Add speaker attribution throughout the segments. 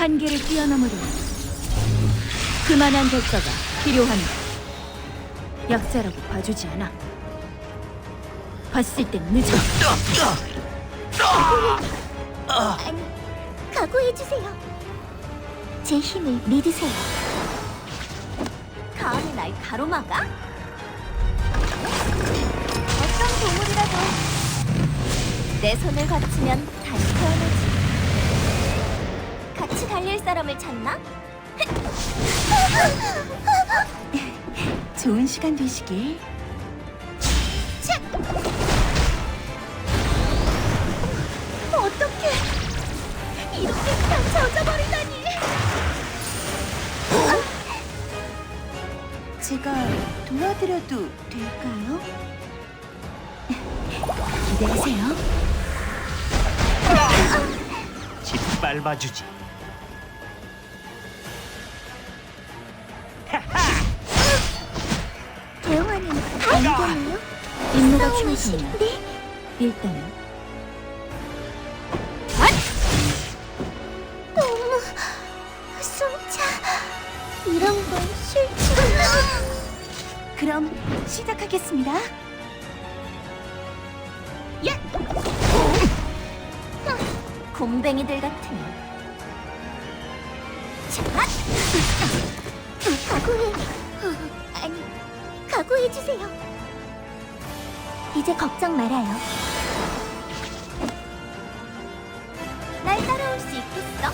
Speaker 1: 한계를 뛰어넘으려 그만한 대가가 필요합니다. 약자라고 봐주지 않아. 봤을 땐 늦어.
Speaker 2: 아니, 각오해주세요. 제 힘을 믿으세요. 감히 날 가로막아? 어떤 동물이라도 내 손을 거치면 다시 태어나지. 같이 달릴 사람을 찾나?
Speaker 1: 좋은 시간 되시길.
Speaker 2: 어떡해! 이렇게 그냥 젖어버리다니!
Speaker 1: 제가 도와드려도 될까요? 기대하세요.
Speaker 3: 짓밟아주지.
Speaker 2: 대영아님, 안 되나요?
Speaker 1: 임무가
Speaker 2: 싸움이
Speaker 1: 키워집니다.
Speaker 2: 싫은데?
Speaker 1: 일단은
Speaker 2: 너무 숨차. 이런 건 싫지.
Speaker 1: 그럼 시작하겠습니다.
Speaker 2: 곰뱅이들 같으니. 자, 각오해. 아니, 각오해주세요. 이제 걱정 말아요. 날 따라올 수 있겠어?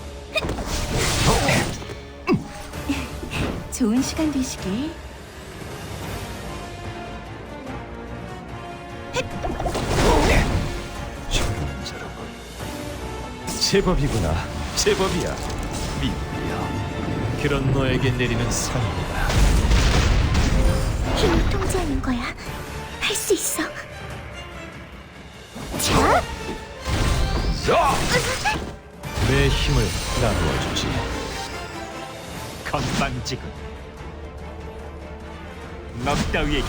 Speaker 1: 좋은 시간 되시길.
Speaker 3: 저런 저런. 제법이구나. 제법이야. 미국이야. 그런 너에게 내리는 상이다.
Speaker 2: 힘을 통제하는 거야. 할 수 있어. 자,
Speaker 3: 내 힘을 나누어 주지. 건방지군. 너 따위에게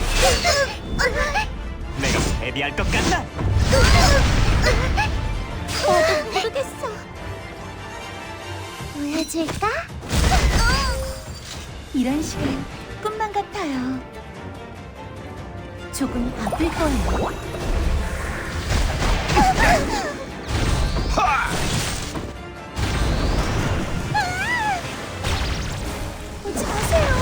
Speaker 3: 내가 패배할 것 같나?
Speaker 2: 나도 모르겠어. 보여줄까?
Speaker 1: 이런 시간 꿈만 같아요. 조금 아플 거예요.
Speaker 2: 오지 마세요.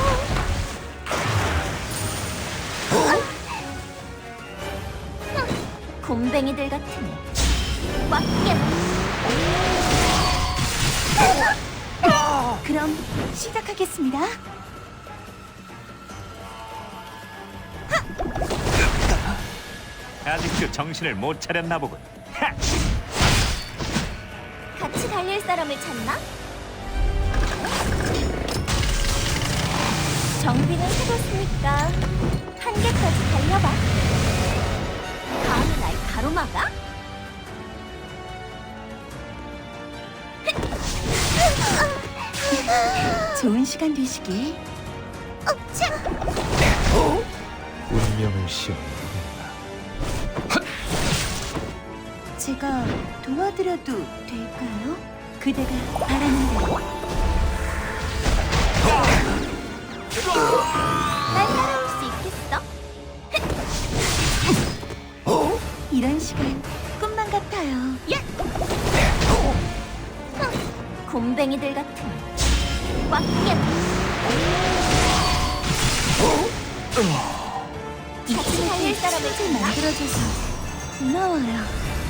Speaker 2: 곰뱅이들 같으니 꽉 깨.
Speaker 1: 그럼 시작하겠습니다.
Speaker 3: 아직도 정신을 못 차렸나 보군. 하!
Speaker 2: 같이 달릴 사람을 찾나? 정비는 해뒀으니까 한계까지 달려봐. 감히 날 가로막아?
Speaker 1: 좋은 시간 되시길.
Speaker 3: 운명을 시험.
Speaker 1: 제가 도와드려도 될까요? 그대가 바라는 대로.
Speaker 2: 날 따라올 수 있겠어?
Speaker 1: 이런 시간 꿈만 같아요.
Speaker 2: 곰뱅이들 같으니 꽉 깨. 같이 달릴 사람을 찾나?
Speaker 1: 만들어줘서 고마워요.